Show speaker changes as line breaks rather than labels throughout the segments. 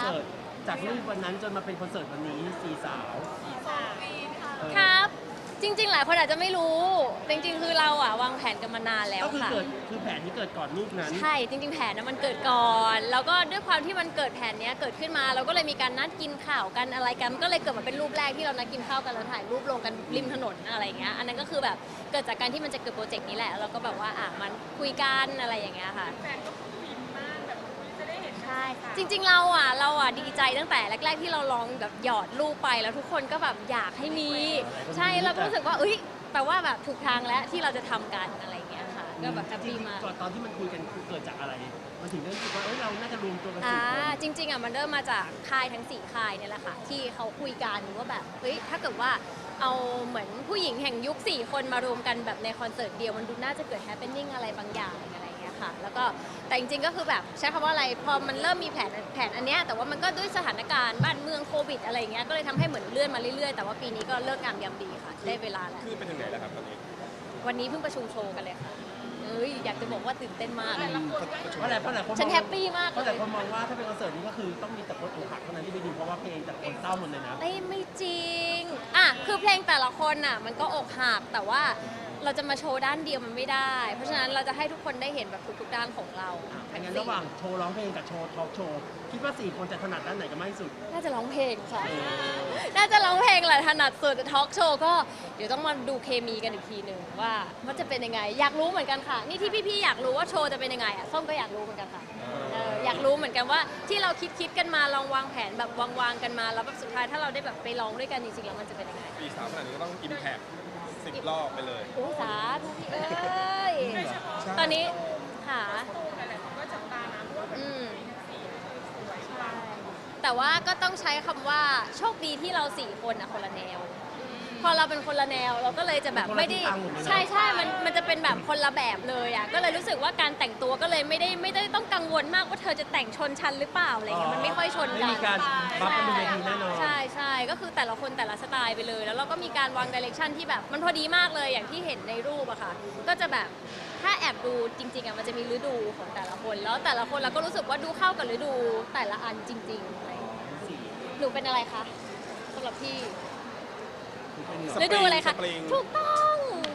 สิร์ตจากรูปวันนั้นจนมาเป็นคอนเสิร์ตวันนี้สี่สาว
ครับจริงๆหลายคนอาจจะไม่รู้จริงๆคือเราอะวางแผนกันมานานแล้ว
ก็คือ
ค่ะ
เกิดคือแผนที่เกิดก่อนรูปนั้น
ใช่จริงๆแผนนะมันเกิดก่อนแล้วก็ด้วยความที่มันเกิดแผนเนี้ยเกิดขึ้นมาเราก็เลยมีการนัดกินข้าวกันอะไรกันมันก็เลยเกิดมาเป็นรูปแรกที่เรานัดกินข้าวกันแล้วถ่ายรูปลงกันริมถนนอะไรอย่างเงี้ยอันนั้นก็คือแบบเกิดจากการที่มันจะเกิดโปรเจกต์นี้แหละแล้วเราก็แบบว่ามันคุยกันอะไรอย่างเงี้ยค่ะแฟนก็ฟินมากแบบจะได้เห็นใช่จริงๆเราดีใจตั้งแต่แรกๆที่เราลองแบบหยอดรูปไปแล้วทุกคนก็แบบอยากให้มีใช่เราก็รู้สึกว่าแปลว่าแบบถูกทางแล้วที่เราจะทำกันอะไรอย่างเงี้ยค่ะก็แบบแฮปปี้มาก
ก่อนตอนที่มันคุยกันคือเกิดจากอะไรมันถึงได้รู้สึกว่าเราน่าจะรวมตัวกันสี่คน
จริงๆมันเริ่มมาจากค่ายทั้ง4ค่ายเนี่ยแหละค่ะที่เขาคุยกันว่าแบบถ้าเกิดว่าเอาเหมือนผู้หญิงแห่งยุค4คนมารวมกันแบบในคอนเสิร์ตเดียวมันดูน่าจะเกิดแฮปเปนนิ่งอะไรบางอย่างอะไรอย่างเงี้ยค่ะแล้วก็แต่จริงๆก็คือแบบใช้คำว่าอะไรพอมันเริ่มมีแผนอันเนี้ยแต่ว่ามันก็ด้วยสถานการณ์บ้านเมืองโควิดอะไรอย่างเงี้ยก็เลยทำให้เหมือนเลื่อนมาเรื่อยๆแต่ว่าปีนี้ก็เลิกงามยามดีค่ะได้เวลาแล้ว
คือไปถึงไหนแล้วครับตอนนี้
วันนี้เพิ่งประชุมโชว์กันเลยค่ะอยากจะบอกว่าตื่นเต้นมาก
เพราะหลายคน
ฉันแฮปปี้มาก
เพราะหลายคนมองว่าถ้าเป็นคอนเสิร์ตนี้ก็คือต้องมีแต่คนอกหักเท่านั้นที่ไปดูเพราะว่าเพลงจากคนเศร้าหมดเลยนะ
ไม่จริงคือเพลงแต่ละคนมันก็อกหักแต่ว่าเราจะมาโชว์ด้านเดียวมันไม่ได้ เพราะฉะนั้นเราจะให้ทุกคนได้เห็นแบบทุกๆด้านของเรา
งั้นระหว่างโชว์ร้องเพลงกับโชว์ทอล์กโชว์คิดว่า4คนจะถนัดด้านไหนกันมากที่สุด
น่าจะร้องเพลงค่ะ น่าจะร้องเพลงแหละถนัดสุดทอล์กโชว์ก็เดี๋ยวต้องมาดูเคมีกันอีกทีหนึ่งว่ามันจะเป็นยังไงอยากรู้เหมือนกันค่ะนี่ที่พี่ๆอยากรู้ว่าโชว์จะเป็นยังไงส้มก็อยากรู้เหมือนกันค่ะอยากรู้เหมือนกันว่าที่เราคิดกันมาลองวางแผนแบบวางกันมาแล้วแบบสุดท้ายถ้าเราได้แบบไปร้องด้วยกันจริงๆแล้วมันจะเป็นยังไง
ปีสามขนาดนี้ก็ต้องอิมแพค10 รอบไปเลย
โอ้สาธุพี่ตอนนี้ค่ะอืมใช่แต่ว่าก็ต้องใช้คำว่าโชคดีที่เรา4คนคนละแนว พอเราเป็นคนละแนวเราก็เลยจะแบบไม่ได้ใช่มันจะเป็นแบบคนละแบบเลยก็เลยรู้สึกว่าการแต่งตัวก็เลยไม่ได้ต้องกังวลมากว่าเธอจะแต่งชนชั้นหรือเปล่าอะไรเงี้ยมันไม่ค่อยชนกัน
ไม่มีการบัฟกันบนเวทีแน่นอน
ใช่ก็คือแต่ละคนแต่ละสไตล์ไปเลย แล้วเราก็มีการวางดิเรกชันที่แบบมันพอดีมากเลยอย่างที่เห็นในรูปอะค่ะก็จะแบบถ้าแอบดูจริงๆมันจะมีฤดูของแต่ละคนแล้วแต่ละคนเราก็รู้สึกว่าดูเข้ากับฤดูแต่ละอันจริงๆอะไรหนูเป็นอะไรคะสำหรับพี่ฤดูอะไรคะถูกต้อง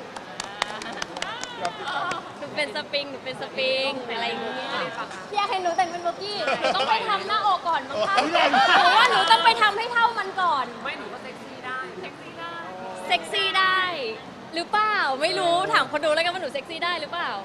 หนูเป็นสปริงอะไรอย่างเงี้ยพี่อยากให้หนูแต่งเป็นโบกี้หนูต้องไปทำหน้าอกก่อนมั้งคะหนูว่าหนูต้องไปทำให้เท่ามันก่อนไม่หนูก็เซ็กซี่ได้หรือเปล่าไม่รู้ถามคนดูแล้วกันว่าหนูเซ็กซี่ได้หรือเปล่า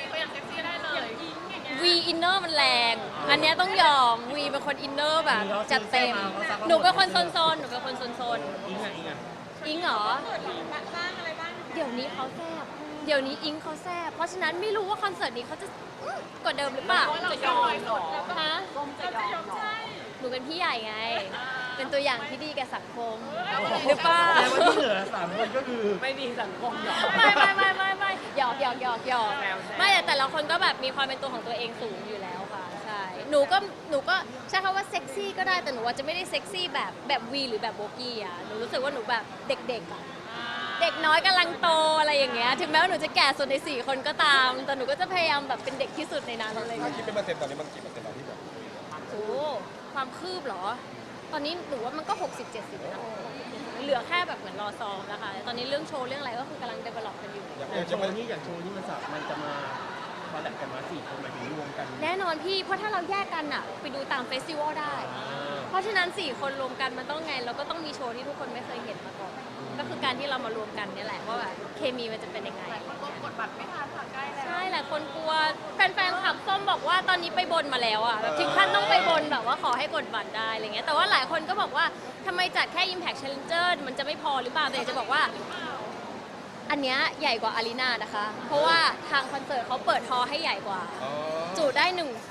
วีอินเนอร์มันแรงอันเนี้ยต้องยอมวีเป็นคนอินเนอร์แบบจัดเต็มหนูเป็นคนโซนๆอิงเหรอเดี๋ยวนี้เขาแซ่บเดี๋ยวนี้อิงเขาแซ่บเพราะฉะนั้นไม่รู้ว่าคอนเสิร์ตนี้เขาจะกว่าเดิมหรือเปล่าจะยอมฮะหนูเป็นพี่ใหญ่ไง เป็นตัวอย่างที่ดีแก่สังคมหรือเปล่า
แต่ว่าที่เหลือ3คนก็คือ
ไม่ดีสังคมหรอก
ไม่หยอกไม่แต่ละคนก็แบบมีความเป็นตัวของตัวเองสูงอยู่แล้วค่ะใช่หนูก็ใช้คำว่าเซ็กซี่ก็ได้แต่หนูว่าจะไม่ได้เซ็กซี่แบบวีหรือแบบโบกี้หนูรู้สึกว่าหนูแบบเด็กเด็กน้อยกำลังโตอะไรอย่างเงี้ยถึงแม้ว่าหนูจะแก่สุดใน4คนก็ตามแต่หนูก็จะพยายามแบบเป็นเด็กที่สุดในนั้นอะไรอย่าง
ถ้า
เงี้ย
คิดเป็นเปอร์เซ็นต์ตอนนี้มันกี่เปอร์เซ็นต์แล้วที่แบบ
โอ้ความคืบเหรอตอนนี้หนูว่ามันก็60-70นะเหลือแค่แบบเหมือนรอซ้อมนะคะตอนนี้เรื่องโชว์เรื่องอะไรก็คือกำลัง develop กันอยู่
อย่างโชว์นี่มันจะมาคอลแลบกันมา4คนหมายถึงรวมกัน
แน่นอนพี่เพราะถ้าเราแยกกันไปดูตามเฟสติวัลได้ เพราะฉะนั้น4คนรวมกันมันต้องไงเราก็ต้องมีโชว์ที่ทุกคนไม่เคยเห็นมาก่อนก็คือการที่เรามารวมกันเนี่ยแหละว่าแบบเคมีมันจะเป็นยังไงกดบัตรไม่ทันค่ะใกล้แล้วใช่หลายคนกลัวแฟนๆขับส้มบอกว่าตอนนี้ไปบนมาแล้วแบบถึงขั้นต้องไปบนแบบว่าขอให้กดบัตรได้อะไรเงี้ยแต่ว่าหลายคนก็บอกว่าทำไมจัดแค่ Impact Challenger มันจะไม่พอหรือเปล่าแต่อยากจะบอกว่าอันเนี้ยใหญ่กว่าอารีนานะคะเพราะว่าทางคอนเสิร์ตเขาเปิดฮอลล์ให้ใหญ่กว่าจุได้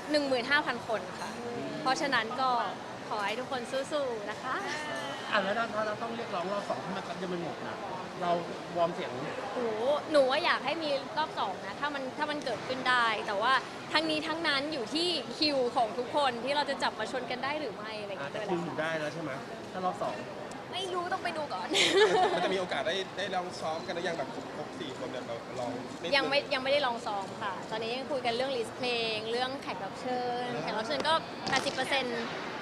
15,000 คนค่ะเพราะฉะนั้นก็ขอให้ทุกคนสู้ๆนะคะ
แล้วถ้าเราต้องเรียกร้องรอบ2ที่มันจะไม่หมดนะเราวอร์มเสียง
หนูว่าอยากให้มีรอบ2นะถ้ามันเกิดขึ้นได้แต่ว่าทั้งนี้ทั้งนั้นอยู่ที่คิวของทุกคนที่เราจะจับมาชนกันได้หรือไม่อะไรอย่างเงี้ย
แต่คุณอยู่ได้แล้วใช่ไหมถ้ารอบ2
ไม่รู้ต้องไปดูก่อน
มันจะมีโอกาสได้ลองซ้อมกันหรือยังแบบครบ4 คนเนี่ยเราลอง
ยังไม่ได้ลองซ้อมค่ะตอนนี้ยังคุยกันเรื่องลิสต์เพลงเรื่องแขกรับเชิญก็80%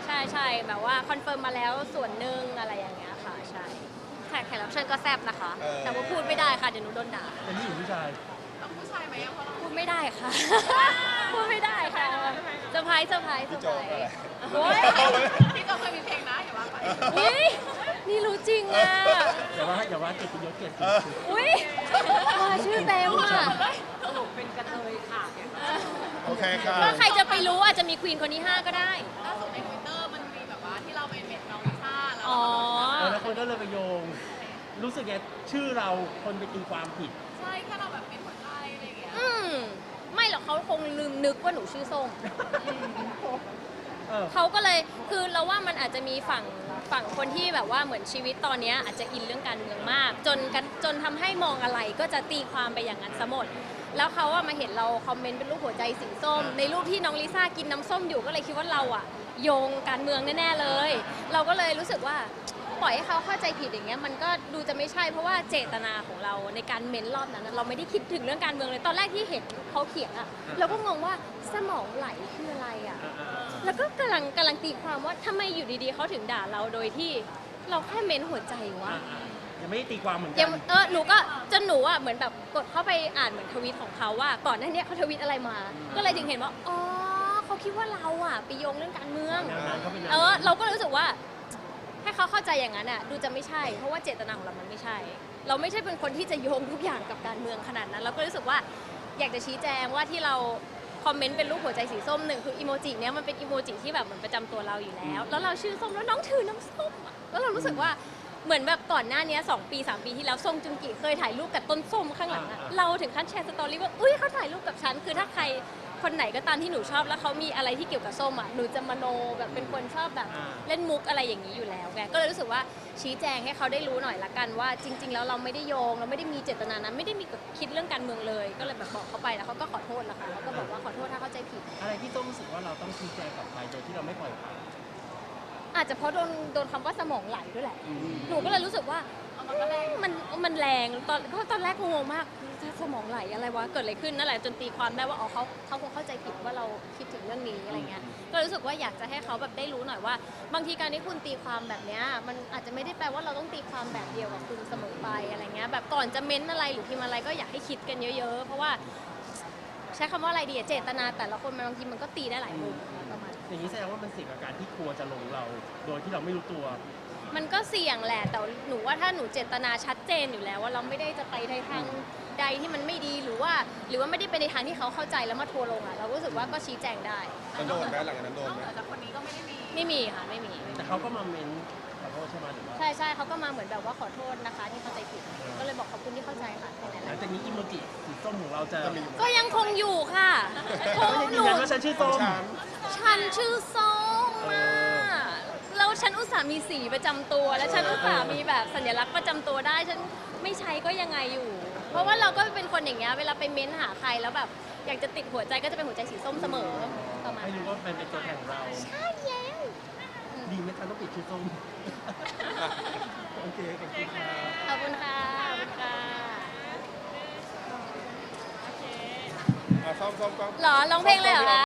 ใช่แบบว่าคอนเฟิร์มมาแล้วส่วนหนึ่งอะไรอย่างเงี้ยค่ะใช่แขกรับเชิญก็แซ่บนะคะ แต่ว่าพูดไม่ได้ค่ะเดี๋ยวหนูโดนด่า
เป็นผู้หญิงผู้ชาย
พูดไม่ได้ค่ะ พูดไม่ได้ค่ะเซอร์ไพรส์
พี่โจอะไร
โอ้ย
พี่ก็เคยมีเพลงนะอย่าว่าไป
อุ๊ยนี่รู้จริงอ่ะ
อย่าว่าเกียรติยศเกียรติ
อุ้ยว่าชื่อเต็มอ่ะ
สรุปเป็นกระเทยค่ะ
โอเคค่ะ
ก็ใครจะไปรู้อาจจะมีควีนคนที่ 5 ก็ได้
ล่าสุดในทวิตเตอร์มันมีแบบว่าที่เราเป็นเม็ดน้องลิซ่าแล้ว
อ๋อ
แล้วคนก็เลยไปโยง รู้สึกไงชื่อเราคนไปตีความผิด
ใช่แค่เราแบบเป็นหัวใจอะไรอย่างเงี้ย
ไม่หรอกเขาคงลืมนึกว่าหนูชื่อส้ม
เออ
เขาก็เลยคือเราว่ามันอาจจะมีฝั่งคนที่แบบว่าเหมือนชีวิตตอนเนี้ยอาจจะอินเรื่องการเมืองมาก จนทำให้มองอะไรก็จะตีความไปอย่างนั้นซะหมด แล้วเขาอะมาเห็นเราคอมเมนต์เป็นรูปหัวใจสีส้ม ในรูปที่น้องลิซ่ากินน้ำส้มอยู่ก็เลยคิดว่าเราอะโยงการเมืองแน่ๆเลย เราก็เลยรู้สึกว่าปล่อยให้เขาเข้าใจผิดอย่างเงี้ยมันก็ดูจะไม่ใช่เพราะว่าเจตนาของเราในการเม้นรอบนั้นนะเราไม่ได้คิดถึงเรื่องการเมืองเลยตอนแรกที่เห็นเขาเขียนอะเราก็งงว่าสมองไหลคืออะไรอะ แล้วก็กำลังตีความว่าทำไมอยู่ดีๆเขาถึงด่าเราโดยที่เราแค่เม้นหัวใจวะ
ยังไม่ได้ตีความเหมือนกั
ยังหนูก็จนหนูอ่ะเหมือนแบบกดเข้าไปอ่านเหมือนทวีตของเขาว่าก่อนหน้านี้เขาทวีตอะไรมา ก็เลยถึงเห็นว่าอ๋อเขาคิดว่าเราอ่ะไปโยงเรื่องการเมือง
แนวนั้นเขาเป็นแนว
เราก็รู้สึกว่าให้เขาเข้าใจอย่างนั้นอ่ะดูจะไม่ใช่ เพราะว่าเจตนาของเรามันไม่ใช่ เราไม่ใช่เป็นคนที่จะโยงทุกอย่างกับการเมืองขนาดนั้นเราก็รู้สึกว่าอยากจะชี้แจงว่าที่เราคอมเมนต์เป็นรูปหัวใจสีส้มหนึ่งคืออีโมจิเนี้ยมันเป็นอีโมจิที่แบบเหมือนประจำตัวเราอยู่แล้ว แล้วเราชื่อส้มแล้วน้องถือน้ำส้มอะแล้วเรารู้สึกว่าเหมือนแบบก่อนหน้านี้2 ปี 3 ปีที่แล้วส้มจุงกิเคยถ่ายรูปกับต้นส้มข้างหลังอะเราถึงขั้นแชร์สตอรี่ว่าอุ้ยเขาถ่ายรูปกับฉันคือถ้าใครคนไหนก็ตามที่หนูชอบแล้วเขามีอะไรที่เกี่ยวกับส้มอ่ะหนูจะมโนแบบเป็นคนชอบแบบเล่นมุกอะไรอย่างนี้อยู่แล้วไงก็เลยรู้สึกว่าชี้แจงให้เขาได้รู้หน่อยละกันว่าจริง ๆ แล้วเราไม่ได้โยงเราไม่ได้มีเจตนานั้นไม่ได้มีคิดเรื่องการเมืองเลย ก็เลยแบบบอกเขาไปแล้วเขาก็ขอโทษละค่ะเขาก็บอกว่าขอโทษถ้าเข้าใจผิด
อะไรที่ต้องรู้สึกว่าเราต้องชี้แจงกับใครโดยที่เราไม่ปล่อยผ่าน
อาจจะเพราะโดนคำว่าสมองไหลด้วยแหละ หนูก็เลยรู้สึกว่ามันแรงตอนแรกงงมากสมองไหลอะไรวะเกิดอะไรขึ้นนั่นแหละจนตีความได้ว่าอ๋อเขาคงเข้าใจผิดว่าเราคิดถึงเรื่องนี้อะไรเงี้ยก็รู้สึกว่าอยากจะให้เขาแบบได้รู้หน่อยว่า บางทีการที่คุณตีความแบบเนี้ยมันอาจจะไม่ได้แปลว่าเราต้องตีความแบบเดียวกับคุณเสมอไปอะไรเงี้ยแบบก่อนจะเม้นอะไรหรือพิมพ์อะไรก็อยากให้คิดกันเยอะๆเพราะว่าใช้คำว่าอะไรดีอะเจตนาแต่ละคนบางทีมันก็ตีได้หลายมุมประมาณ
อย่างนี้แสดงว่ามันเสี่ยงกับการที่ครัวจะลงเรา โดยที่เราไม่รู้ตัว
มันก็เสี่ยงแหละแต่หนูว่าถ้าหนูเจตนาชัดเจนอยู่แล้วว่าเราไม่ได้จะไปในทางใดที่มันไม่ดีหรือว่าไม่ได้ไปในทางที่เขาเข้าใจแล้วมาทัวร์ลงอ่ะเรารู้สึกว่าก็ชี้แจงได้
แล้วโดนไหมหลังจากนั้นโดน
นอก
ไหม
เหนือจากคนนี้ก็ไม่ได้มี
ไม่มีค่ะไม่มี
แต่เขาก็มาเมนขอโทษใช่ไหมหรือว่า
ใช่เขาก็มาเหมือนแบบว่าขอโทษนะคะที่เข้าใจผิดก็เลยบอกขอบคุณที่เข้าใจค่ะแค่นั้นแห
หลั
ละ
งจากนี้อีโมจิสีส้มของเราจะ
จะมีอยู่ไหม
ก็ยังคงอยู่ค่ะคง
ก็ยัง
ห
ยืน
นู
ยันว่าฉันชื่อส้ม
ฉันชื่อส้มอ่ะแล้วฉันอุตส่าห์มีสีประจำตัว และฉันอุตส่าห์มีแบบสัญลักษณ์ประจำตัวได้ฉันไม่ใช้ก็ยังไงอยู่ เพราะว่าเราก็เป็นคนอย่างเงี้ยเวลาไปเม้นหาใครแล้วแบบอยากจะติดหัวใจก็จะเป็นหัวใจสีส้มเสมอประมาณ
ให้
นั้
รู้
น
ว่าเป็นตัวแทนของเรา
ใช่แล้ว
ดีไหมคะต้องปิดชื่อส้ม โอเคขอบคุณค่ะ
ขอบคุณค่ะขอบคุณค่ะ
อ่ะซ่อมกล้อง
หรอร้องเพลงเลยเหรอคะ